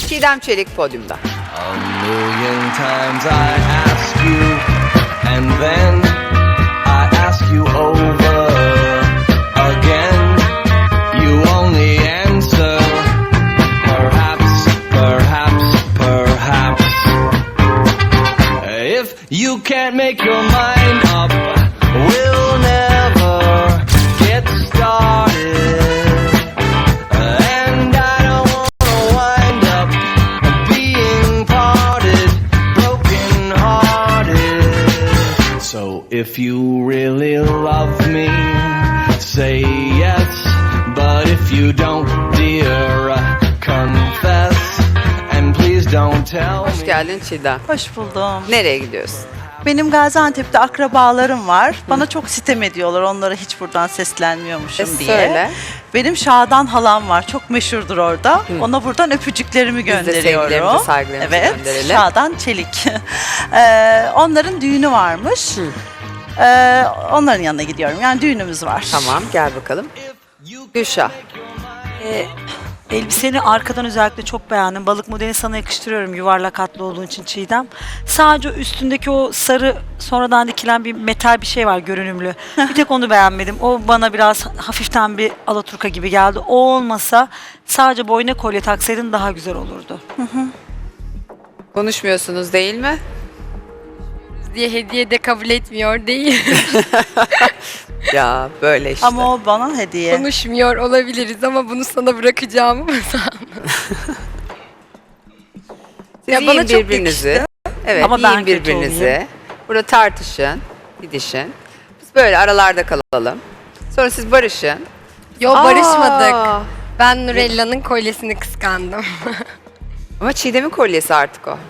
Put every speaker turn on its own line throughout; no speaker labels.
Çiğdem Çelik podyumda.
A million times I ask you, and then I ask you over again. You only answer, perhaps, perhaps, perhaps. If you can't make your mind up, we'll never get started. And I don't wanna wind up being parted, broken hearted. So if you really love me, say yes. But if you don't, dear, confess. And please don't tell
Hoş
me.
geldin Çiğdem.
Hoş buldum.
Nereye gidiyorsun?
Benim Gaziantep'te akrabalarım var. Bana çok sitem ediyorlar. Onlara hiç buradan seslenmiyormuşum diye.
Söyle.
Benim Şadan halam var. Çok meşhurdur orada. Ona buradan öpücüklerimi
Biz de
gönderiyorum.
sevgilerimizi, saygılarımızı
evet,
gönderelim.
Şadan Çelik. Onların düğünü varmış. Onların yanına gidiyorum. Yani düğünümüz var.
Tamam, gel bakalım. Gülşah.
Elbiseni arkadan özellikle çok beğendim. Balık modelini sana yakıştırıyorum yuvarlak hatlı olduğun için Çiğdem. Sadece üstündeki o sarı sonradan dikilen bir metal bir şey var görünümlü. Bir tek onu beğenmedim. O bana biraz hafiften bir alaturka gibi geldi. O olmasa sadece boyuna kolye taksaydın daha güzel olurdu.
Konuşmuyorsunuz değil mi?
Diye hediye de kabul etmiyor değil.
Ya böyle işte.
Ama o bana hediye.
Konuşmuyor olabiliriz ama bunu sana bırakacağımı mı sandın?
Siz
Ya
yiyin
bana çok
birbirinizi. Evet,
Ama ben
yiyin
kötü
birbirinizi.
olayım.
Burada tartışın, didişin. Biz böyle aralarda kalalım. Sonra siz barışın.
Yo barışmadık.
Aa,
Ben Nurella'nın kolyesini kıskandım.
Ama Çiğdem'in kolyesi artık o.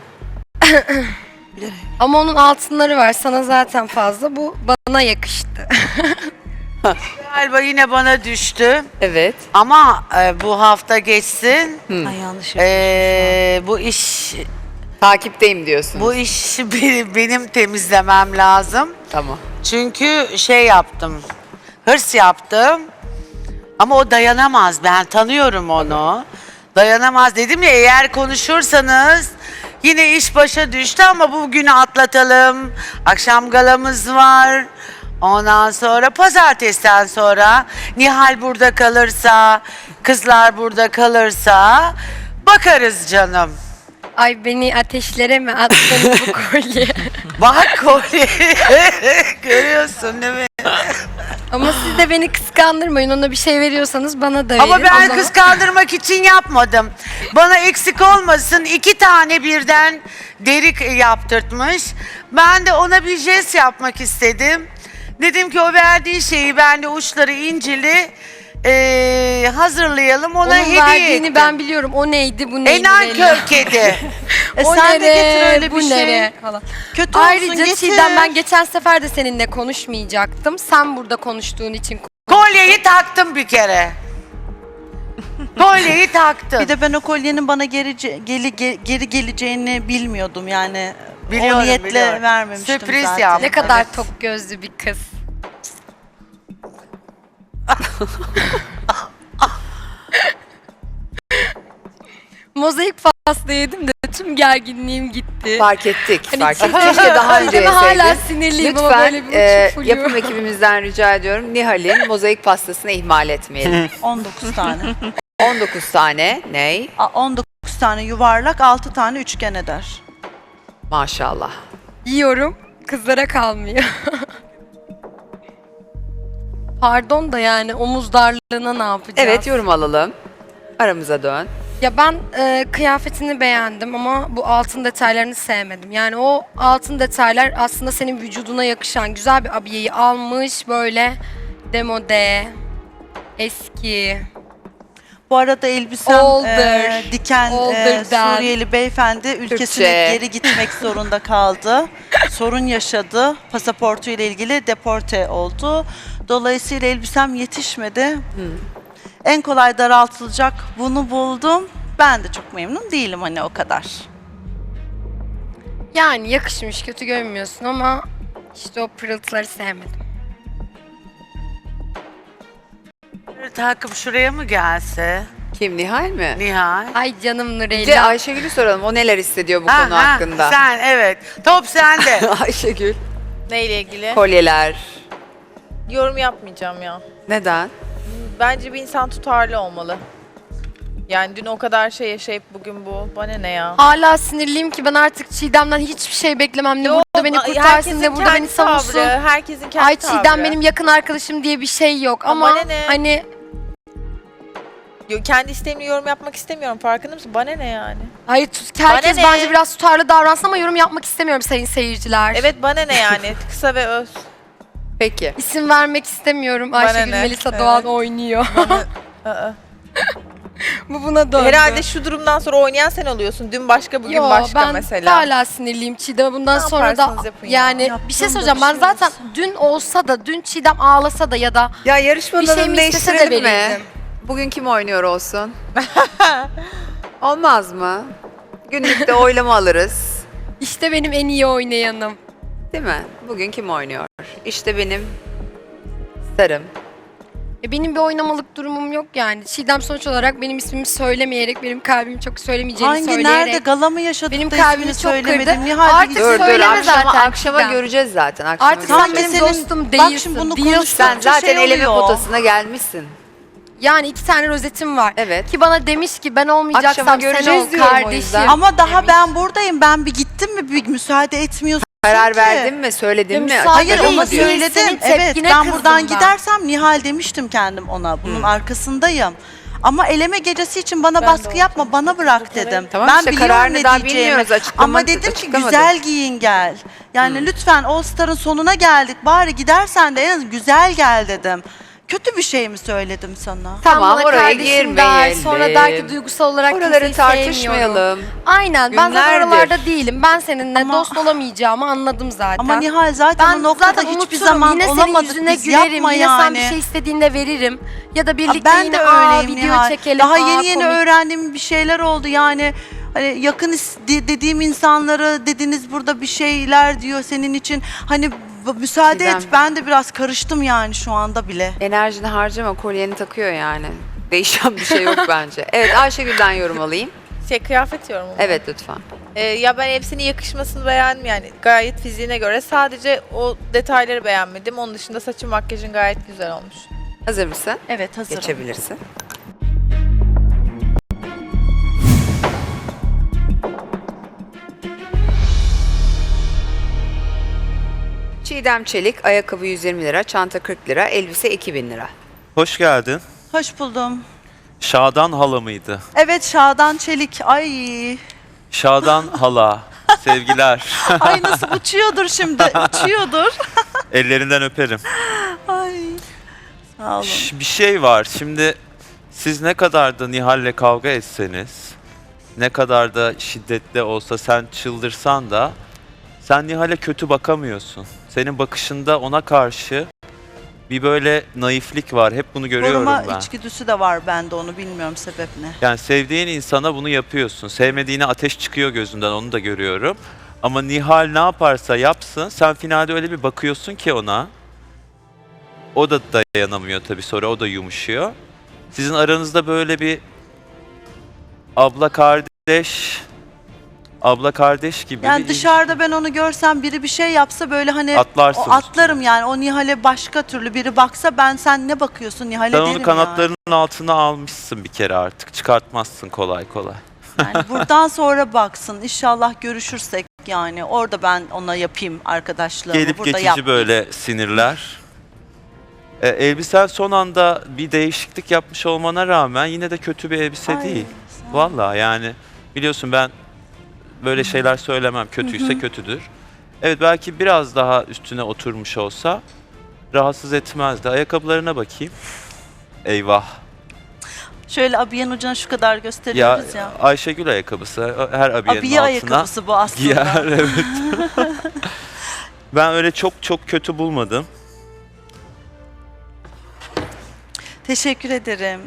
Ama onun altınları var. Sana zaten fazla. Bu bana yakıştı.
Galiba yine bana düştü
Evet.
ama bu hafta geçsin.
Ay yanlış
Bu iş
Takipteyim diyorsunuz.
bu işi benim temizlemem lazım.
Tamam.
Çünkü şey yaptım. Hırs yaptım. Ama o dayanamaz. Ben tanıyorum onu. Dayanamaz dedim ya, eğer konuşursanız yine iş başa düştü ama bugünü atlatalım. Akşam galamız var. Ondan sonra pazartesiden sonra Nihal burada kalırsa, kızlar burada kalırsa bakarız canım.
Ay beni ateşlere mi attın bu kolye?
Bak kolye. Görüyorsun değil mi?
Ama siz de beni kıskandırmayın. Ona bir şey veriyorsanız bana da verin.
Ama
O
ben
zaman-
kıskandırmak için yapmadım. Bana eksik olmasın, 2 tane birden deri yaptırtmış. Ben de ona bir jest yapmak istedim. Dedim ki o verdiği şeyi ben de uçları incili hazırlayalım, ona
Onun
hediye
verdiğini
ettim.
ben biliyorum. O neydi, bu neydi?
Enankör kedi.
O
sen de
nere,
getir öyle
bu
bir şey.
nere falan.
Kötü olsun,
Ayrıca
getir.
Çiğdem ben geçen sefer de seninle konuşmayacaktım. Sen burada konuştuğun için
Kolyeyi taktım bir kere. Kolyeyi taktım.
Bir de ben o kolyenin bana geri geleceğini bilmiyordum yani.
Biliyorum,
o niyetle
biliyorum.
vermemiştim
Sürpriz
zaten.
yaptım.
ne kadar
Evet.
tok gözlü bir kız. Mozaik pasta yedim de tüm gerginliğim gitti.
Fark ettik.
Hani
Fark ettik.
Çiğdem-
Keşke daha önce
Çiğdem'e hala
yeseydin.
sinirliyim ama
Lütfen
böyle bir uçuk flu.
yapım ekibimizden rica ediyorum. Nihal'in mozaik pastasını ihmal etmeyelim.
19 tane.
19 tane. Ney?
19 tane yuvarlak, 6 tane üçgen eder.
Maşallah.
Yiyorum, kızlara kalmıyor. Pardon da yani omuz darlığına ne yapacağız?
Evet, yorum alalım. Aramıza dön.
Ya ben kıyafetini beğendim ama bu altın detaylarını sevmedim. Yani o altın detaylar aslında senin vücuduna yakışan güzel bir abiyeyi almış böyle demode, eski.
Bu arada elbisem
Older.
diken
Older'dan.
Suriyeli beyefendi ülkesine
Türkçe.
geri gitmek zorunda kaldı. Sorun yaşadı. Pasaportu ile ilgili deporte oldu. Dolayısıyla elbisem yetişmedi. En kolay daraltılacak bunu buldum. Ben de çok memnun değilim hani o kadar.
Yani yakışmış, kötü görmüyorsun ama işte o pırıltıları sevmedim.
Takım şuraya mı gelse?
Kim, Nihal mi?
Nihal.
Ay canım
Bir de
Nurella.
Ayşegül'ü soralım. O neler hissediyor bu
Ha,
konu
ha,
hakkında?
Sen evet. Top sende.
Ayşegül.
Neyle ilgili?
Kolyeler.
Yorum yapmayacağım ya.
Neden?
Bence bir insan tutarlı olmalı. Yani dün o kadar şey yaşayıp bugün bu. Bana ne ya?
Hala sinirliyim ki ben artık Çiğdem'den hiçbir şey beklemem. Ne burada beni kurtarsın
herkesin
ne burada beni
kendi
savunsun.
tavrı, herkesin kendi
Ay
tavrı.
Çiğdem benim yakın arkadaşım diye bir şey yok ama
bana ne?
hani
Kendi isteğimle yorum yapmak istemiyorum. Farkında mısın? Bana ne yani?
hayır herkes
Bana ne?
bence biraz tutarlı davransın ama yorum yapmak istemiyorum sayın seyirciler.
Evet bana ne yani? Kısa ve öz.
Peki.
İsim vermek istemiyorum. Ayşegül
ne?
Melisa
Evet.
Doğan oynuyor.
Aa.
Bu buna döndü.
Herhalde şu durumdan sonra oynayan sen oluyorsun. Dün başka, bugün
Yo,
başka
ben
mesela.
hala sinirliyim Çiğdem'e bundan
Ne
sonra da
yaparsanız yapın ya.
yani bir şey
Yaptığım
söyleyeceğim
da
ben
bir şey
zaten dün olsa da dün Çiğdem ağlasa da ya da
Ya
bir
yarışmanın
şey
adını
mi istese de
değiştirelim mi?
verirdim.
Bugün kim oynuyor olsun? Olmaz mı? Günlükte oylama alırız.
İşte benim en iyi oynayanım.
Değil mi? Bugün kim oynuyor? İşte benim sarım.
Benim bir oynamalık durumum yok yani. Çiğdem sonuç olarak benim ismimi söylemeyerek, benim kalbimi çok söylemeyeceğini
Hangi
söyleyerek.
nerede gala mı yaşadık
Benim
da
kalbimi
ismini
çok
söylemedin?
kırdı.
Nihal
Artık
bir-
Dur dur
söyleme
akşama,
zaten
akşama
Çiğdem.
göreceğiz zaten. Akşama
Artık
göreceğiz.
sen benim
senin-
dostum
bak
değilsin.
şimdi bunu
değilsin.
konuştuk.
Sen zaten
şey
eleme
oluyor.
potasına gelmişsin.
Yani 2 tane rozetim var.
Evet.
Ki bana demiş ki ben olmayacaksam
Akşama
sen
göreceğiz
ol
diyorum o
kardeşim.
yüzden.
Ama daha
demiş.
ben buradayım. Ben bir gittim mi bir müsaade etmiyorsun
Karar
ki.
verdin mi? Söyledin mi?
müsaade
Hayır
Açıkladın
ama
mı diyor.
değil.
söyledim.
Senin
Evet
tepkine
ben
kızdım
buradan
ben.
gidersem Nihal demiştim kendim ona. Bunun arkasındayım. Ama eleme gecesi için bana
Ben de
baskı yapma, bana bırak dedim.
Tamam
ben
işte,
biliyorum
kararını
ne
daha
diyeceğimi.
bilmiyoruz, açıklama-
Ama dedim ki
açıklamadı.
güzel giyin gel. Yani lütfen All Star'ın sonuna geldik. Bari gidersen de en az güzel gel dedim. Kötü bir şey mi söyledim sana?
Sen
Tamam,
bana
oraya
kardeşim der,
girmeyelim.
sonra der ki duygusal olarak
Oraları
kimseyi sevmiyorum.
tartışmayalım.
Aynen ben zaten
Günlerdir.
oralarda değilim. Ben seninle
Ama-
dost olamayacağımı anladım zaten.
Ama Nihal zaten
ben
o noktada
zaten
hiçbir
unuturum.
zaman
Yine senin
olamadık.
yüzüne
Biz
gülerim.
yapma
Yine
yani.
sen bir şey istediğinde veririm. Ya da birlikte
Ben
yine
de öyleyim
video
Nihal.
çekelim.
Daha yeni yeni
komik.
öğrendiğim bir şeyler oldu yani. Hani yakın dediğim insanları dediniz burada bir şeyler diyor senin için. Hani müsaade
Çiğdem.
et ben de biraz karıştım yani şu anda bile.
Enerjini harcama, kolyeni takıyor yani. Değişen bir şey yok bence. Evet, Ayşegül'den yorum alayım.
Kıyafet yorumu.
Evet lütfen.
Ya ben hepsinin yakışmasını beğendim yani gayet fiziğine göre. Sadece o detayları beğenmedim. Onun dışında saçın makyajın gayet güzel olmuş.
Hazır mısın?
Evet hazırım.
Geçebilirsin. Çiğdem Çelik, ayakkabı 120 lira, çanta 40 lira, elbise 2000 lira.
Hoş geldin.
Hoş buldum.
Şadan hala mıydı?
Evet Şadan Çelik. Ay.
Şadan hala. Sevgiler.
Ay nasıl uçuyordur şimdi. Uçuyordur.
Ellerinden öperim.
Ay. Sağ olun.
Bir şey var. Şimdi siz ne kadar da Nihal'le kavga etseniz, ne kadar da şiddetli olsa sen çıldırsan da sen Nihal'e kötü bakamıyorsun. Senin bakışında ona karşı bir böyle naiflik var. Hep bunu görüyorum
Koruma
ben.
içgüdüsü de var bende onu bilmiyorum sebep ne.
Yani sevdiğin insana bunu yapıyorsun. Sevmediğine ateş çıkıyor gözünden, onu da görüyorum. Ama Nihal ne yaparsa yapsın, sen finalde öyle bir bakıyorsun ki ona. O da dayanamıyor tabii, sonra o da yumuşuyor. Sizin aranızda böyle bir abla kardeş gibi
Yani
bir
dışarıda ben onu görsem biri bir şey yapsa böyle hani
Atlarsın
o atlarım yani o Nihal'e başka türlü biri baksa ben sen ne bakıyorsun Nihal'e
sen
derim
onu kanatlarının altına almışsın bir kere artık. Çıkartmazsın kolay kolay.
yani buradan sonra baksın inşallah görüşürsek yani orada ben ona yapayım arkadaşlığımı
Gelip
burada
geçici
yap.
böyle sinirler. Elbisen son anda bir değişiklik yapmış olmana rağmen yine de kötü bir elbise
Ay,
değil.
sağ ol.
Vallahi yani biliyorsun ben böyle şeyler söylemem. Kötüyse kötüdür. Evet belki biraz daha üstüne oturmuş olsa rahatsız etmezdi. Ayakkabılarına bakayım. Eyvah.
Şöyle abiyenin ucuna şu kadar
Ya,
gösteriyoruz ya.
Ayşegül ayakkabısı her abiyenin
Abiye
altına
ayakkabısı bu aslında.
giyer. Evet. Ben öyle çok kötü bulmadım.
Teşekkür ederim.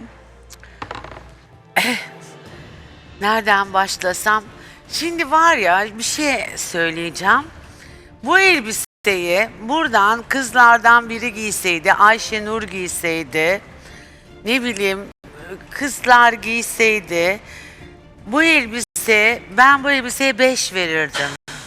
Nereden başlasam? Şimdi var ya bir şey söyleyeceğim. Bu elbiseyi buradan kızlardan biri giyseydi, Ayşenur giyseydi, ne bileyim kızlar giyseydi bu elbise, ben bu elbiseye 5 verirdim.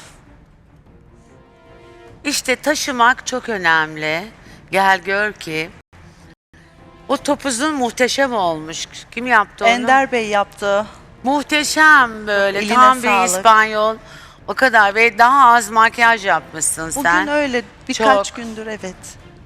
İşte taşımak çok önemli. Gel gör ki. O topuzun muhteşem olmuş. Kim yaptı onu?
Ender Bey yaptı.
Muhteşem böyle.
Eline
Tam bir
sağlık.
İspanyol. O kadar ve daha az makyaj yapmışsın
Bugün
sen.
öyle birkaç
Çok.
gündür evet.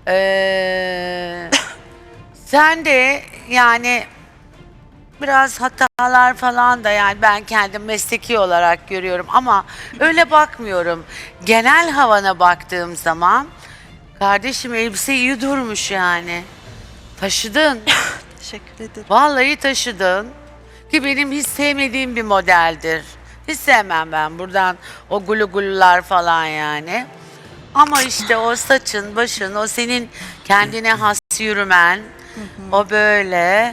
Sen de yani biraz hatalar falan da yani ben kendim mesleki olarak görüyorum ama öyle bakmıyorum. Genel havana baktığım zaman kardeşim elbise iyi durmuş yani. Taşıdın.
Teşekkür ederim.
Vallahi taşıdın. Ki benim hiç sevmediğim bir modeldir. Hiç sevmem ben buradan o gulu gulular falan yani. Ama işte o saçın, başın, o senin kendine has yürümen, o böyle.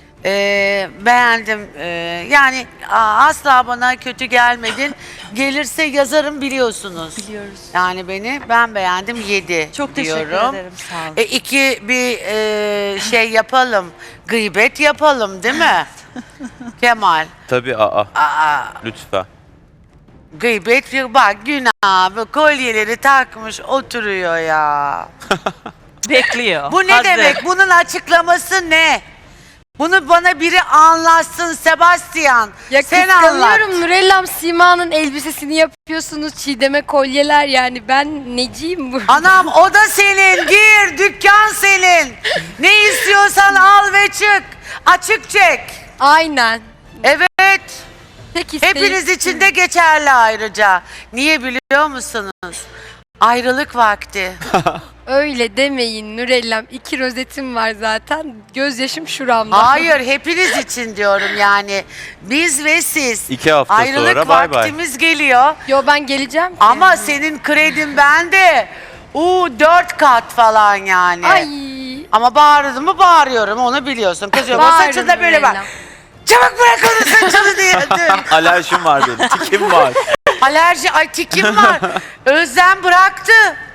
Beğendim. Yani asla bana kötü gelmedin. Gelirse yazarım biliyorsunuz.
Biliyoruz.
Yani ben beğendim 7
Çok teşekkür
diyorum.
ederim. Sağ olun.
İki bir şey yapalım. Gıybet yapalım değil mi? Kemal.
Tabii lütfen.
Gıybet bak günah bu kolyeleri takmış oturuyor ya.
Bekliyor.
Bu ne
Hazır.
demek? Bunun açıklaması ne? Bunu bana biri anlatsın Sebastian.
Ya
Sen anlat.
kıskanıyorum Nurellam, Sima'nın elbisesini yapıyorsunuz. Çiğdem'e kolyeler, yani ben neciyim bu?
Anam o da senin. Gir dükkan senin. Ne istiyorsan al ve çık. Açık çek.
Aynen.
Evet.
Tek isteğim.
Hepiniz için de geçerli ayrıca. Niye biliyor musunuz? Ayrılık vakti.
Öyle demeyin Nurellam. 2 rozetim var zaten. Gözyaşım şuramda.
Hayır hepiniz için diyorum yani. Biz ve siz.
2 hafta
Ayrılık
sonra bay bay.
vaktimiz geliyor.
Yo, ben geleceğim ki.
Ama senin kredin bende. 4 kat falan yani.
Ay.
Ama bağırdım mı bağırıyorum onu biliyorsun. Kızıyorum. O
Bağırın
saçında böyle bak.
Nurellam.
Çabuk bırak onu saçını diye.
Alerjim var benim. Tikim var.
Alerji, ay tikim var. Özlem bıraktı.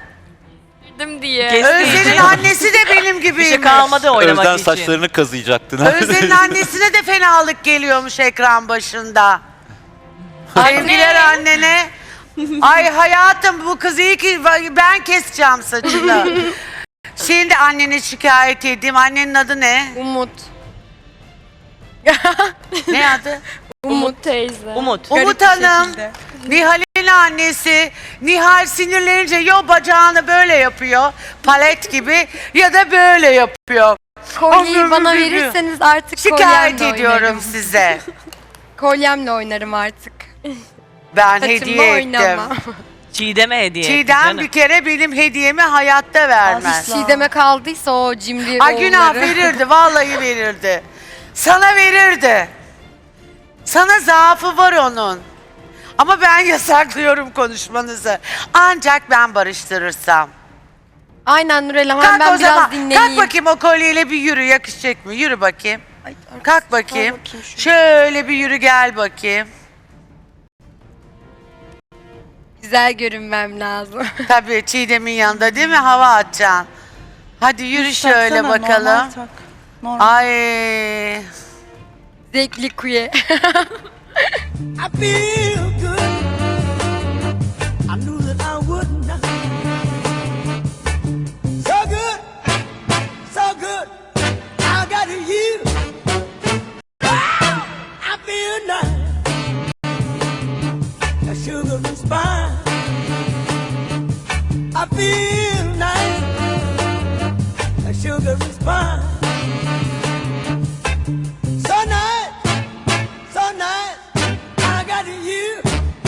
diye.
Özlem'in annesi de benim
Bir şey
gibiymiş.
kalmadı oynamak
Özden
için.
saçlarını kazıyacaktın.
Özlem'in annesine de fenalık geliyormuş ekran başında. Sevgiler annene. Ay hayatım bu kız iyi ki ben keseceğim saçını. Şimdi annene şikayet edeyim. Annenin adı ne?
Umut.
Ne adı?
Umut teyze.
Umut.
Umut Hanım. Nihal'in annesi. Nihal sinirlenince ya bacağını böyle yapıyor. Palet gibi ya da böyle yapıyor.
Kolyeyi bana
Allah'ım,
verirseniz artık
Şikayet
kolyemle
ediyorum
oynarım.
size.
Kolyemle oynarım artık.
Ben
Saçımla
hediye ettim.
oynamam.
Çiğdem'e hediye etti
Çiğdem
canım.
bir kere benim hediyemi hayatta vermez.
Asla.
Çiğdem'e kaldıysa o cimri
Ay günah
oğulları.
verirdi, vallahi verirdi. Sana verirdi. Sana zaafı var onun. Ama ben yasaklıyorum konuşmanızı. Ancak ben barıştırırsam.
Aynen Nurellam, ben
Kalk o
biraz
zaman.
dinleneyim.
Kalk bakayım o kolyeyle bir yürü, yakışacak mı? Yürü bakayım.
Ay,
Kalk bakayım.
bakayım şunu.
Şöyle bir yürü gel bakayım.
Güzel görünmem lazım.
Tabii Çiğdem'in yanında değil mi? Hava atacaksın. Hadi yürü şöyle
Taksana, normal
bakalım.
tak. Normal.
Ay.
Zevkli kuye.
I feel good. I knew that I would not. So good, so good. I got you. I feel nice. The sugar and spice. I feel nice. The sugar and spice. So nice, so nice. I got you.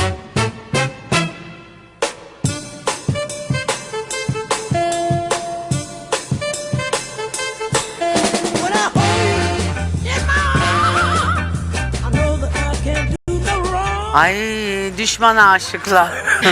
When I hold you in my arms, I know that I can't do no wrong.
Ay düşman aşıklar.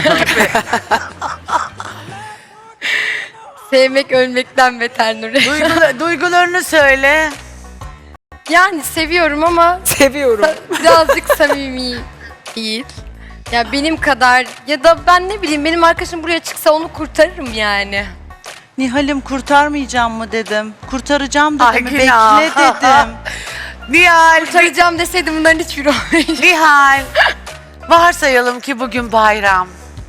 Sevmek ölmekten beter Nurellam.
Duygularını söyle.
Yani seviyorum ama
Seviyorum.
birazcık samimi değil. Ya benim kadar, ya da ben ne bileyim, benim arkadaşım buraya çıksa onu kurtarırım yani.
Nihal'im kurtarmayacağım mı dedim. Kurtaracağım dedim.
Ay
mi?
günah.
Bekle dedim.
Nihal,
Kurtaracağım deseydim bunların hiçbiri olmayacak.
Nihal. Varsayalım ki bugün bayram.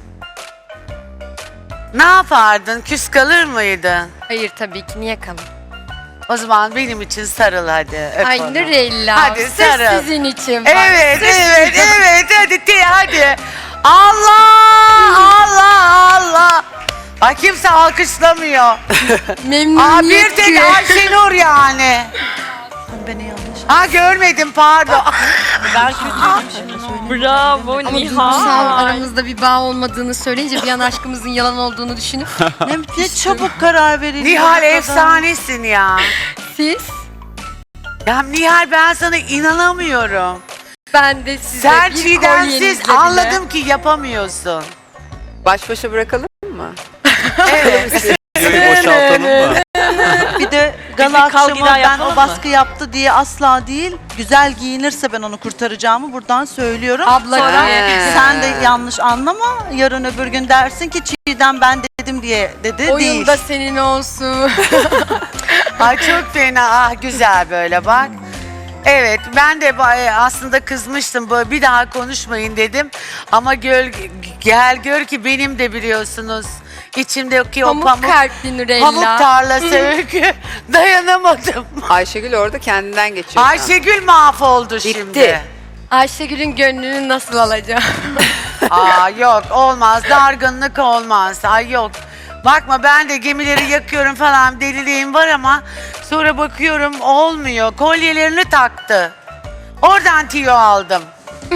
Ne yapardın? Küs kalır mıydın?
Hayır tabii ki, niye kalın?
O zaman benim için sarıl hadi. Öp
Ay
onu.
Nurella,
Hadi
sırf
sarıl.
sizin için. bak,
Evet,
sırf
evet,
sizin.
evet. Hadi. Allah, Allah, Allah. Ay kimse alkışlamıyor.
Memnuniyet
Bir tek
diyor.
Ayşenur yani.
Beni yanlış.
Ha görmedim pardon.
Ben kötüymüşüm. Bravo
Ama
Nihal.
duygusal aramızda bir bağ olmadığını söyleyince bir an aşkımızın yalan olduğunu düşünüp
Ne çabuk karar verildi.
Nihal
bu kadar.
efsanesin ya.
siz,
Ya Nihal ben sana inanamıyorum.
ben de size
Sen
bir
Çiğdemsiz
kolyenizle bile-
anladım ki yapamıyorsun.
Baş başa bırakalım mı?
Evet.
Videoyu boşaltalım mı?
Bir de gala
Bir kal
akşamı
gider
ben
yapalım
o
mı?
baskı yaptı diye asla değil. Güzel giyinirse ben onu kurtaracağımı buradan söylüyorum.
Abla
Sonra
He.
sen de yanlış anlama. Yarın öbür gün dersin ki Çiğdem ben dedim diye dedi.
oyun
Değil.
da senin olsun.
Ay çok fena. Ah güzel böyle bak. Evet ben de aslında kızmıştım. Böyle bir daha konuşmayın dedim. Ama gel gör ki benim de biliyorsunuz. İçimdeki o
Pamuk kalpli Nurella.
pamuk tarlası öykü. Dayanamadım.
Ayşegül orada kendinden geçiyor.
Ayşegül mahvoldu şimdi.
Ayşegül'ün gönlünü nasıl alacağım?
Aa yok olmaz. Dargınlık olmaz. Ay yok. Bakma ben de gemileri yakıyorum falan deliliğim var ama sonra bakıyorum olmuyor. Kolyelerini taktı. Oradan tiyo aldım.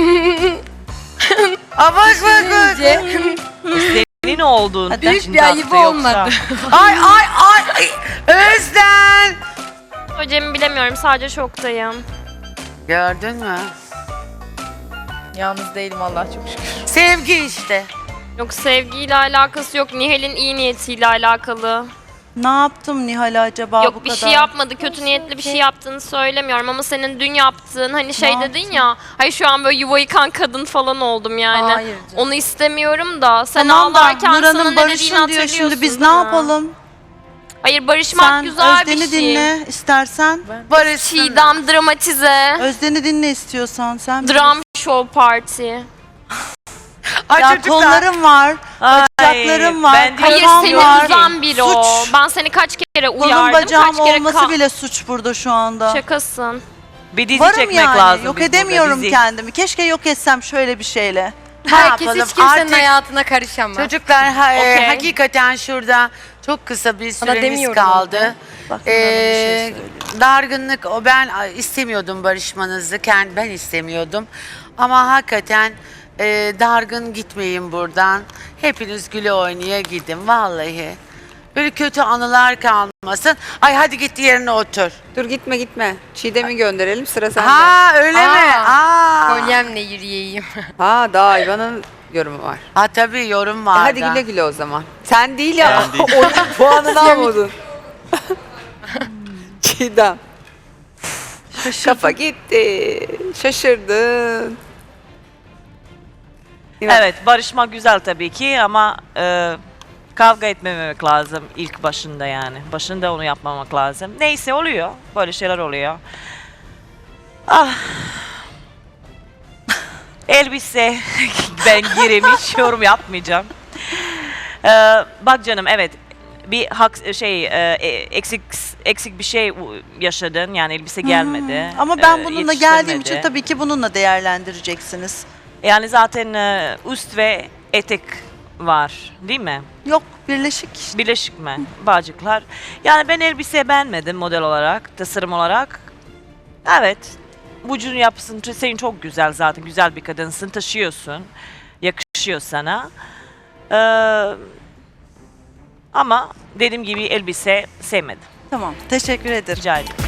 Aa bak.
Bence
Senin olduğun
büyük
için
bir ayıbı
taktı yoksa.
olmadı.
Ay. Özden.
Hocam bilemiyorum, sadece şoktayım.
Gördün mü?
Yalnız değilim Allah çok şükür.
Sevgi işte.
Yok, sevgiyle alakası yok. Nihal'in iyi niyetiyle alakalı.
Ne yaptım Nihal acaba bu
Yok,
kadar?
bir şey yapmadı. Kötü niyetli bir şey yaptığını söylemiyorum ama senin dün yaptığın hani şey
Ne
dedin ya. Hayır şu an böyle yuva yıkan kadın falan oldum yani.
Hayır canım.
Onu istemiyorum da. Sen
Tamam da
ağlarken sana
Nurhan'ın
ne dediğini
barışın diyor
hatırlıyorsun
şimdi biz ne
değil mi?
yapalım?
Hayır, barışmak
Sen
güzel
Özden'i
bir şey.
dinle istersen.
Barışsın.
Çiğdem dramatize.
Özden'i dinle istiyorsan sen.
Dram show party.
Ay
Ya
çocuklar.
kollarım var, bacaklarım var,
ben
Hayır,
kafam
seni
var.
üzen biri o.
Suç.
Ben seni kaç kere
Kolum
uyardım,
bacağım
kaç kere
olması bile suç burada şu anda.
Şakasın.
Bir dizi
Varım
çekmek
yani,
lazım.
yok
biz burada,
edemiyorum
dizi.
kendimi. Keşke yok etsem şöyle bir şeyle.
Herkes
yapalım?
hiç kimsenin
Artık-
hayatına karışamaz.
Çocuklar
Okey.
hakikaten şurada çok kısa bir
Sana
süremiz
demiyorum
kaldı.
Bak, Nurhan'a bir şey söyleyeyim.
Dargınlık o ben istemiyordum barışmanızı ben istemiyordum ama hakikaten dargın gitmeyin buradan hepiniz güle oynaya gidin vallahi böyle kötü anılar kalmasın. Ay hadi git yerine otur.
Dur gitme. Çiğdem'i gönderelim, sıra sende.
Ha öyle mi?
Aa.
Aa.
Kolyemle yürüyeyim.
Ha, daha Ayvan'ın yorumu var.
Ha tabii yorum var.
Hadi
da.
güle güle o zaman. Sen değil ya.
Ben değil.
Onun puanını almadın. Çiğdem. Kafa gitti. Şaşırdın.
Evet, barışmak güzel tabii ki ama kavga etmemek lazım ilk başında yani. Başında onu yapmamak lazım. Neyse oluyor. Böyle şeyler oluyor. Ah. Elbise ben gireyim hiç yorum yapmayacağım. Bak canım evet bir eksik bir şey yaşadın yani elbise gelmedi.
Ama ben bununla geldiğim için
yetiştirmedi.
tabii ki bununla değerlendireceksiniz.
Yani zaten üst ve etek var değil mi?
Yok birleşik işte.
Birleşik mi? Bağcıklar. Yani ben elbise beğenmedim model olarak, tasarım olarak. Evet. Vücudun yapısın senin çok güzel zaten. Güzel bir kadınsın, taşıyorsun. Yakışıyor sana. Ama dediğim gibi elbise sevmedim.
Tamam teşekkür ederim.
Rica ederim.